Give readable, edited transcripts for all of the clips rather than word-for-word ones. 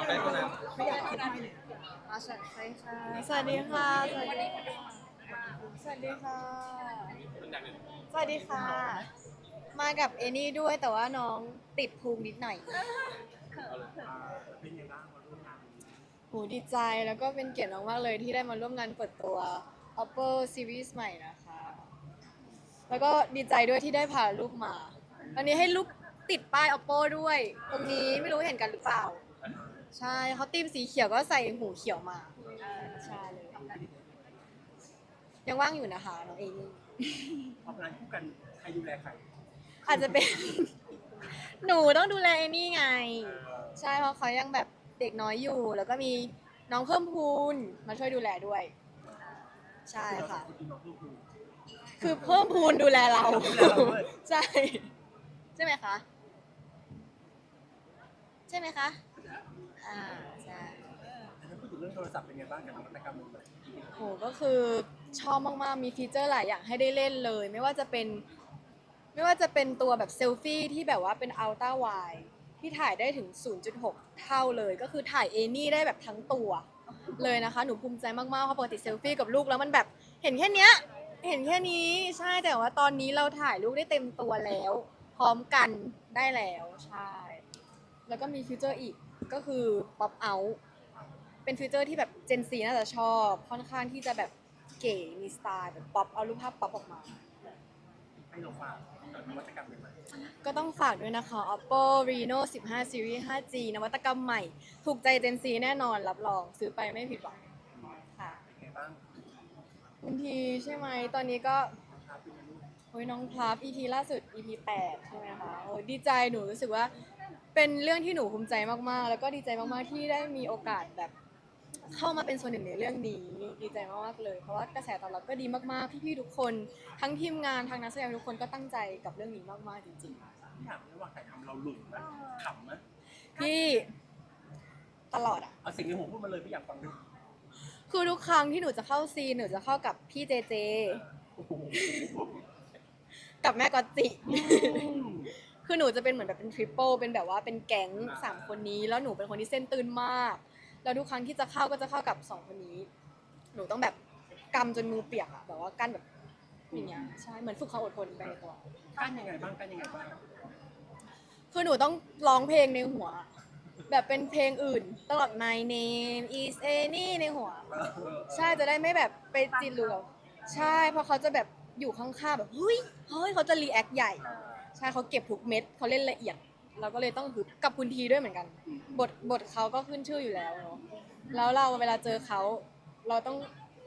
ใกล้คนนั้นไม่อยากคิดไม่เนี่ยสวัสดีค่ะสวัสดีค่ะสวัสดีค่ะสวัสดีค่ะสวัสดีค่ะมากับเอนี่ด้วยแต่ว่าน้องติดภูมินิดหน่อยเป็นยังไงบ้างมาร่วมงานหูดีใจแล้วก็เป็นเกียรติมากๆเลยที่ได้มาร่วมงานเปิดตัว Oppo Series ใหม่นะคะแล้วก็ดีใจด้วยที่ได้พาลูกมาวันนี้ให้ลูกติดป้าย Oppo ด้วยตรงนี้ไม่รู้เห็นกันหรือเปล่าใช่เขาตีมสีเขียวก็ใส่หูเขียวมาใช่เลยยังว่างอยู่นะคะน้องเอนี่ออกงานคู่กันใครดูแลใครอาจจะเป็น หนูต้องดูแลเอนี่ไงใช่เพราะเขายังแบบเด็กน้อยอยู่ แล้วก็มีน้องเพิ่มพูนมาช่วยดูแลด้วยใช่ค่ะคือเพิ่มพูนดูแลเราใช่ใช่ไหมคะใช่ไหมคะใช่ถ้าพูดถึงเรื่องโทรศัพท์เป็นไงบ้างกับนวัตกรรมใหม่โหก็คือชอบมากๆมีฟีเจอร์หลายอย่างให้ได้เล่นเลยไม่ว่าจะเป็นตัวแบบเซลฟี่ที่แบบว่าเป็นอัลตร้าไวด์ที่ถ่ายได้ถึง 0.6 เท่าเลยก็คือถ่ายเอนี่ได้แบบทั้งตัวเลยนะคะหนูภูมิใจมากๆเพราะปกติเซลฟี่กับลูกแล้วมันแบบเห็นแค่เนี้ยเห็นแค่นี้ใช่แต่ว่าตอนนี้เราถ่ายลูกได้เต็มตัวแล้วพร้อมกันได้แล้วใช่แล้วก็มีฟีเจอร์อีกก็คือ Pop Out เป็นฟีเจอร์ที่แบบ Gen Z น่าจะชอบค่อนข้างที่จะแบบเก๋มีสไตล์แบบป๊อปเอารูปภาพป๊อปออกมาให้เราฝากกับนวัตกรรมใหม่ก็ต้องฝากด้วยนะคะ Oppo Reno 15 Series 5G นวัตกรรมใหม่ ถูกใจ Gen Z แน่นอนรับรองซื้อไปไม่ผิดหวังค่ะเป็นไงบ้างคุณทีใช่ไหมตอนนี้ก็ครับเป็นไงลูกโอ้ยน้องพลับ EP ล่าสุด EP 8ใช่ไหมคะโอ้ยดีใจหนูรู้สึกว่าเป็นเรื่องที่หนูภูมิใจมากๆแล้วก็ดีใจมากๆที่ได้มีโอกาสแบบเข้ามาเป็นส่วนหนึ่งในเรื่องนี้ดีใจมากๆเลยเพราะว่ากระแสตอบรับก็ดีมากๆพี่ๆทุกคนทั้งทีมงานทั้งนักแสดงทุกคนก็ตั้งใจกับเรื่องนี้มากๆจริงๆที่ถามระหว่างถ่ายทำเราหลุดไหมขำไหมพี่ตลอดอ่ะเอาสิ่งในหัวพูดมาเลยพี่อยากฟังด้วยคือทุกครั้งที่หนูจะเข้าซีนหนูจะเข้ากับพี่เจเจกับแม่กอตจิ คือหนูจะเป็นเหมือนแบบเป็นทริปเปิลเป็นแบบว่าเป็นแก๊ง3 คนนี้แล้วหนูเป็นคนที่เส้นตื่นมากแล้วทุกครั้งที่จะเข้าก็จะเข้ากับ2 คนนี้หนูต้องแบบกำจนมือเปียกอะแบบว่ากั้นแบบอย่างเงี้ยใช่เหมือนฝึกความอดทนไปในตัวกั้นยังไงบ้างกั้นยังไงบ้างคือหนูต้องร้องเพลงในหัวแบบเป็นเพลงอื่นตลอด My name is Annie ในหัวใช่จะได้ไม่แบบไปจินหรือใช่เพราะเขาจะแบบอยู่ข้างๆแบบเฮ้ยเขาจะรีแอคใหญ่ใช่เขาเก็บทุกเม็ดเขาเล่นละเอียดเราก็เลยต้องฮึบกับคุณทีด้วยเหมือนกันบทเขาก็ขึ้นชื่ออยู่แล้วเนาะแล้วเราเวลาเจอเขาเราต้อง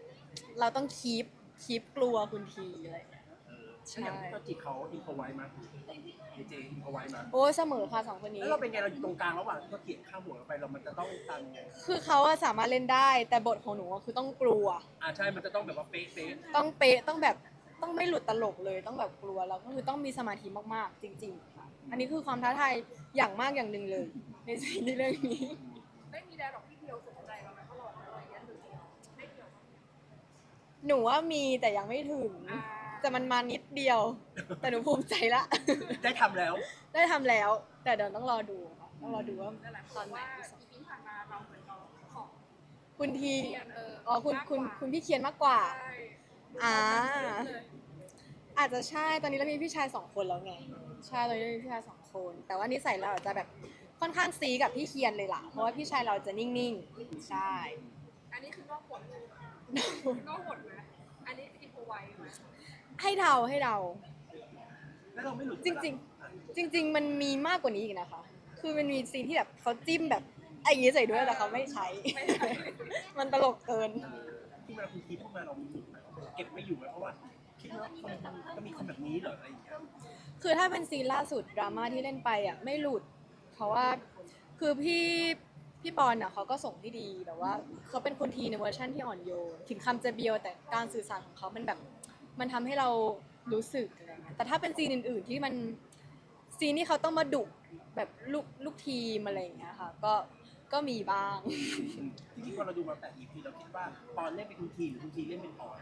คีปกลัวคุณทีอะไรอย่างเงี้ยใช่อย่างก็จีเขาอินโฟไว้มาเจอินโฟไว้มาโอ้เสมอค่ะ2 คนนี้แล้วเราเป็นไงเราอยู่ตรงกลางระหว่างก็เกลียดข้ามหัวเราไปเรามันจะต้องตามยังไงคือเขาอะสามารถเล่นได้แต่บทของหนูอะคือต้องกลัวใช่มันจะต้องแบบว่าเป๊ะต้องเป๊ะต้องแบบต้องไม่หลุดตลกเลยต้องแบบกลัวแล้วก็คือต้องมีสมาธิมากๆจริงๆค่ะอันนี้คือความท้าทายอย่างมากอย่างหนึ่งเลยในซีรีส์เรื่องนี้ไม่มีแดร์หรอกที่เดียวสนใจเราไหมตลอดอะไรอย่างเงี้ยหรือไม่เกี่ยวหนูว่ามีแต่ยังไม่ถึงแต่มันมานิดเดียวแต่หนูภูมิใจละได้ทำแล้วได้ทำแล้ว แต่เดี๋ยวต้องรอดูค่ะต้องรอดูว่าตอนไหนอีพีผ่านมาเราเหมือนเราของคุณทีเรียนอ๋อคุณพี่เคียนมากกว่าใช่อ่าอาจจะใช่ตอนนี้เรามีพี่ชาย2 คนแล้วไงใช่ตอนนี้เรามีพี่ชาย2 คนแต่ว่านิสัยเราอาจจะแบบค่อนข้างซีกับพี่เคียนเลยล่ะเพราะว่าพี่ชายเราจะนิ่งๆใช่อันนี้คือนอกบทนอกบทนะอันนี้คืออินโฟไว้ไหมให้เดาแล้วเราไม่หลุดจริงๆมันมีมากกว่านี้อีกนะคะคือมันมีซีนที่แบบเขาจิ้มแบบไอ้อย่างงี้ใส่ด้วยแต่เขาไม่ใช้ มันตลกเกินที่มาคุณคิดพูดมาเรามีหลุดไหมเก็บไม่อยู่ไหมเพราะว่าคิดว่าคนก็มีคนแบบนี้เหรออะไรอย่างเงี้ยคือถ้าเป็นซีนล่าสุดดราม่าที่เล่นไปอ่ะไม่หลุดเพราะว่าคือพี่ปอนอ่ะเขาก็ส่งที่ดีแบบว่าเขาเป็นคนทีในเวอร์ชันที่อ่อนโยนถึงคำจะเบียวแต่การสื่อสารของเขามันแบบมันทำให้เรารู้สึกอะไรเงี้ยแต่ถ้าเป็นซีนอื่นๆที่มันซีนที่เขาต้องมาดุแบบลูกทีมอะไรอย่างเงี้ยค่ะก็มีบ้างจริงๆพอเราดูมาแต่ EP เราคิดว่าปอนเล่นเป็นคุณทีหรือคุณทีเล่นเป็นปอน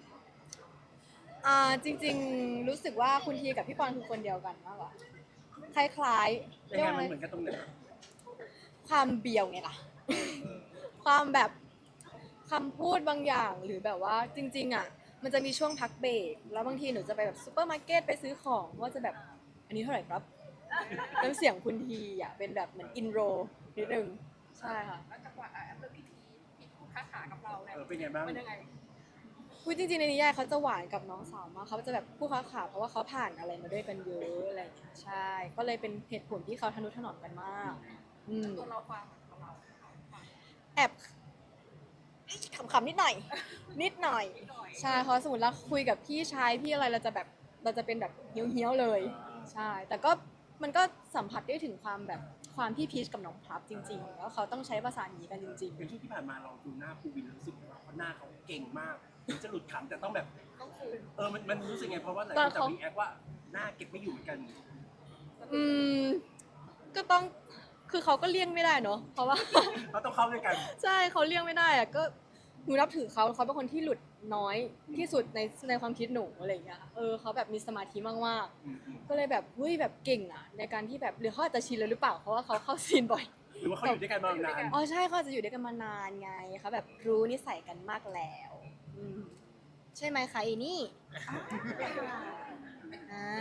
จริงๆรู้สึกว่าคุณทีกับพี่ปอนคือคนเดียวกันมากกว่าคล้ายๆยังไงมันเหมือนกันตรงไหนความเบียวไงล่ะ ความแบบคำพูดบางอย่างหรือแบบว่าจริงๆอ่ะมันจะมีช่วงพักเบรกแล้วบางทีหนูจะไปแบบซูเปอร์มาร์เก็ตไปซื้อของว่าจะแบบอันนี้เท่าไหร่ครับน้ำเสียงคุณทีอ่ะเป็นแบบเหมือนอินโรนิดนึงใช่ค่ะแล้วจังหวะเรื่องพี่พูดค้าขากับเราเนี่ยเป็นไงบ้างมันยังไงคุยจริงๆในนิยายเขาจะหวานกับน้องสาวมากเขาจะแบบคู่ค้าขาเพราะว่าเขาผ่านอะไรมาด้วยกันเยอะอะไรอย่างเงี้ยใช่ก็เลยเป็นเหตุผลที่เขาทนุถนอมกันมากอืมตัวเราฟังกับเราแอบขำๆนิดหน่อย นิดหน่อย ใช่เพราะสมมติเราคุยกับพี่ชายพี่อะไรเราจะแบบเราจะเป็นแบบเฮี้ยวๆเลย ใช่ แต่ก็มันก็สัมผัสได้ถึงความแบบความพี่พีชกับน้องพลับจริงๆแล้วเขาต้องใช้ภาษานี้กันจริงเป็นช่วงที่ผ่านมาเราดูหน้าภูวินรู้สึกว่าหน้าเขาเก่งมากถึงจะหลุดขำแต่ต้องแบบต้องคืนมันรู้สึกไงเพราะว่าหลายคนจะรีแอคว่าหน้าเก็บไม่อยู่เหมือนกันๆก็ต้องคือเขาก็เลี่ยงไม่ได้เนาะเพราะว่าเขาต้องเข้าด้วยกันใช่เขาเลี่ยงไม่ได้อะก็หนูนับถือเขาเป็นคนที่หลุดน้อยที่สุดในความคิดหนูอะไรอย่างเงี้ยเขาแบบมีสมาธิมากๆก็เลยแบบเฮ้ยแบบเก่งอะในการที่แบบหรือเขาอาจจะชินแล้วหรือเปล่าเพราะว่าเขาเข้าซีนบ่อยหรือว่าเขาอยู่ด้วยกันมานานอ๋อใช่เขาอาจจะอยู่ด้วยกันมานานไงเขาแบบรู้นิสัยกันมากแล้วใช่ไหมคะอีนี่อ่า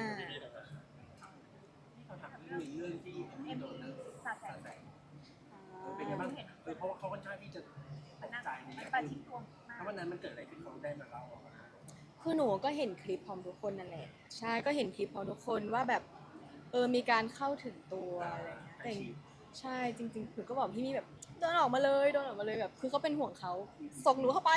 ที่เขาถามเรื่องที่มีโดนสาแสงเป็นไงบ้างเพราะว่าเขาค่อนข้างที่จะตกใจในอย่างที่ถ้าวันนั้นมันเกิดอะไรขึ้นเขาได้มาเล่าออกมาคือหนูก็เห็นคลิปพร้อมทุกคนนั่นแหละใช่ก็เห็นคลิปพร้อมทุกคนว่าแบบมีการเข้าถึงตัวอะไรอย่างเงี้ยแต่ใช่จริงๆหนูก็บอกพี่มี่แบบเดินออกมาเลยแบบคือเขาเป็นห่วงเขาส่งหนูเข้าไป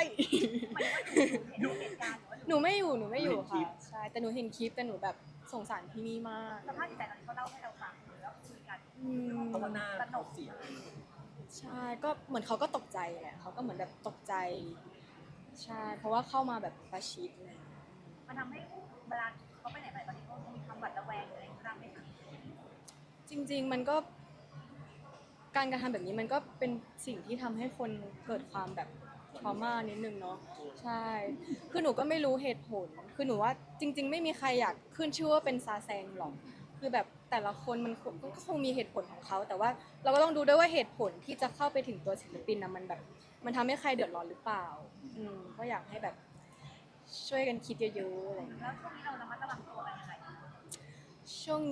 หนูไม่อยู่ค่ะใช่แต่หนูเห็นคลิปแต่หนูแบบสงสารพี่มี่มากสภาพจิตใจตอนนี้เขาเล่าให้เราฟังแล้วคุยกันอืมเพราะว่าหน้าเขาเสียใช่ก็เหมือนเขาก็ตกใจแหละเขาก็เหมือนแบบตกใจใช่เพราะว่าเข้ามาแบบประชิดเลยมันทำให้เวลาเขาไปไหนมาไหนตอนนี้เขามีความหวาดระแวงอะไรบ้างไหมคะจริงๆมันก็การกระทำแบบนี้มันก็เป็นสิ่งที่ทำให้คนเกิดความแบบทรมานิดนึงเนาะใช่คือหนูก็ไม่รู้เหตุผลคือหนูว่าจริง ๆ ไม่มีใครอยากขึ้นชื่อว่าเป็นซาแซงหรอกคือแบบแต่ละคนมันก็คงมีเหตุผลของเขาแต่ว่าเราก็ต้องดูด้วยว่าเหตุผลที่จะเข้าไปถึงตัวศิลปินนะมันแบบมันทำให้ใครเดือดร้อนหรือเปล่าก็อยากให้แบบช่วยกันคิดเยอะๆอะไรอย่างเงี้ยแล้วช่วงนี้เราระมัดระวังตัวกันยังไงช่วง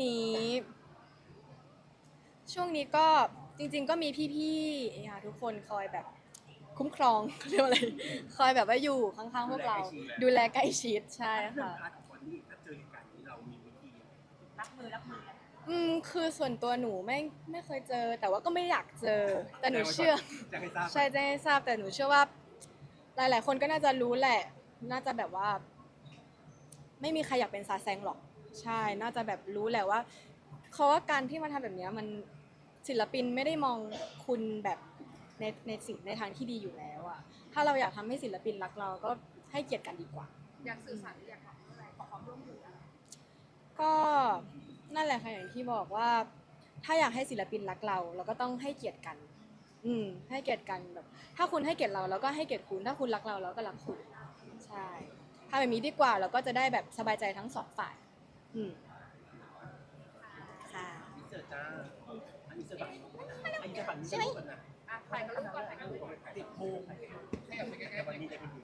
นี้ก็จริงๆก็มีพี่ๆทุกคนคอยแบบคุ้มครอง เรียกว่าอะไรคอยแบบว่าอยู่ข้างๆพวกเราดูแลใกล้ชิดใช่เรื่องค่ะพาร์ทของคนที่ถ้าเจอเหตุการณ์นี้เรามีวิธีรับมือกันคือส่วนตัวหนูไม่เคยเจอ แต่ว่าก็ไม่อยากเจอ แต่หนูเชื่อจะให้ทราบใช่จะให้ทราบแต่หนูเชื่อว่า หลายๆคนก็น่าจะรู้แหละ น่าจะแบบว่า ไม่มีใครอยากเป็นซาแซงหรอก ใช่ น่าจะแบบรู้แหละว่าเขาว่าการที่มาทำแบบเนี้ยมันศิลปินไม่ได้มองคุณแบบในสิ่งในทางที่ดีอยู่แล้วอะถ้าเราอยากทำให้ศิลปินรักเราก็ให้เกียรติกันดีกว่าอยากสื่อสารหรืออยากทำอะไรขอความร่วมมือก็นั่นแหละค่ะอย่างที่บอกว่า ถ้าอยากให้ศิลปินรักเราเราก็ต้องให้เกียรติกัน ให้เกียรติกันแบบ ถ้าคุณให้เกียรติเราก็ให้เกียรติคุณ ถ้าคุณรักเราเราก็รักคุณ ใช่ทำแบบนี้ดีกว่าเราก็จะได้แบบสบายใจทั้งสองฝ่าย ค่ะนี่เจอจ้าอันนี้เจอฝั่งอันนี้เจอฝั่งนี้จะรู้กันนะถ่ายกับลูกก่อนถ่ายกับลูกก่อนติดโพงแต่วันนี้ได้เป็น